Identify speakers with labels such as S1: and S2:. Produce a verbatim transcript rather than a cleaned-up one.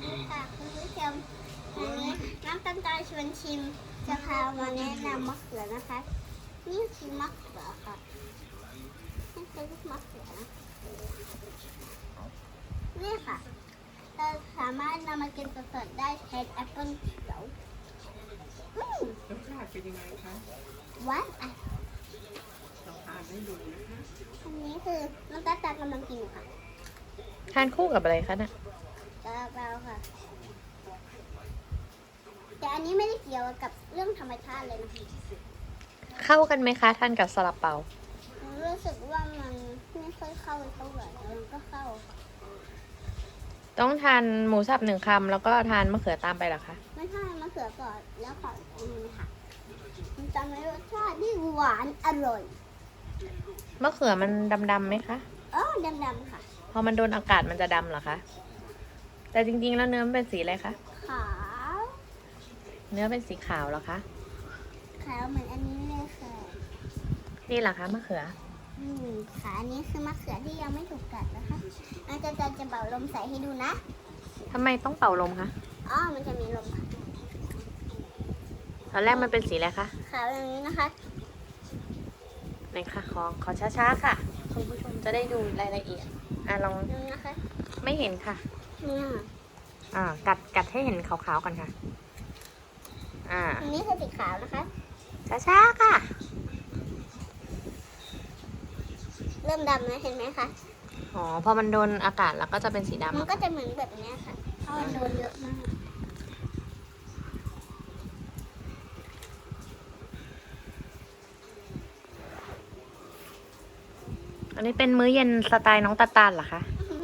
S1: นี่ค่ะคุณผู้ชมวันนี้น้ำตาลตาลชวนชิมจะพามาแนะนำมะเขือนะคะ นี่คือมะเขือค่ะนี่คือลูกมะเขือนะนี่ค่ะเราสามารถนำมากินสดๆได้แทนแอปเปิ้ลเขียวอืม
S2: รสชาติเป็นยังไงคะ
S1: หวานอ่ะ
S2: ลองทานให้ดูนะคะ
S1: อันนี้คือน้ำตาลตาลกำลังกินอยู่ค่ะ
S3: ทานคู่กับอะไรคะน่ะ
S1: กระเป๋าค่ะแต่อันนี้ไม่ได้เกี่ยวกับเรื่องธรรมชาติเลยนะคะ
S3: เข้ากันไหมคะทานกับซาลาเปา
S1: รู้สึกว่ามันไม่ค่อยเข้าเท่าไหร่แต่มันก็เข้า
S3: ต้องทานหมูสับหนึ่งคำแล้วก็ทานมะเขือตามไปเหรอคะ
S1: ไม่ใช่มะเขือก่อนแล้วขออันนี้ค่ะมันจะมีรสชาติที่หวานอร่อย
S3: มะเขือมันดำๆไหมคะ
S1: อ๋อดำๆค่ะ
S3: พอมันโดนอากาศมันจะดำเหรอคะ แต่จริงๆแล้วเนื้อมันเป็นสีอะไรคะ
S1: ขาว
S3: เนื้อเป็นสีขาวเหรอคะ
S1: ขาวเหมือนอันนี้เลยค่ะ
S3: นี่เหรอคะมะเขือ
S1: อืมค่ะอันนี้คือมะเขือที่ยังไม่ถูกกัดนะคะอาจารย์จะจะเป่าลมใส่ให้ดูนะ
S3: ทำไมต้องเป่าลมคะ
S1: อ๋อมันจะมีลมค่ะ
S3: ตอนแรกมันเป็นสีอะไรคะ
S1: ขาวอย่างนี้นะคะ
S3: ไหนคะขอขอช้าๆค่ะคุณผู้ชมจะได้ดูรายละเอียด อ่ะลอง
S1: ดูนะคะ
S3: ไม่เห็นค่ะ
S1: เนี่ย
S3: อ่า กัดกัดให้เห็นขาวๆก่อนค่ะ อ่า
S1: อันนี้คือสีขาวนะคะ
S3: ช้าๆค่ะ
S1: เริ่มดำแล้วเห็นไหมคะ
S3: อ๋อ พอมันโดนอากาศแล้วก็จะเป็นสีดำ
S1: มันก็จะเหมือนแบบนี้ค่ะเพราะมันโดนเยอะมาก
S3: อันนี้เป็นมื้อเย็นสไตล์น้องตาตาลเหรอคะ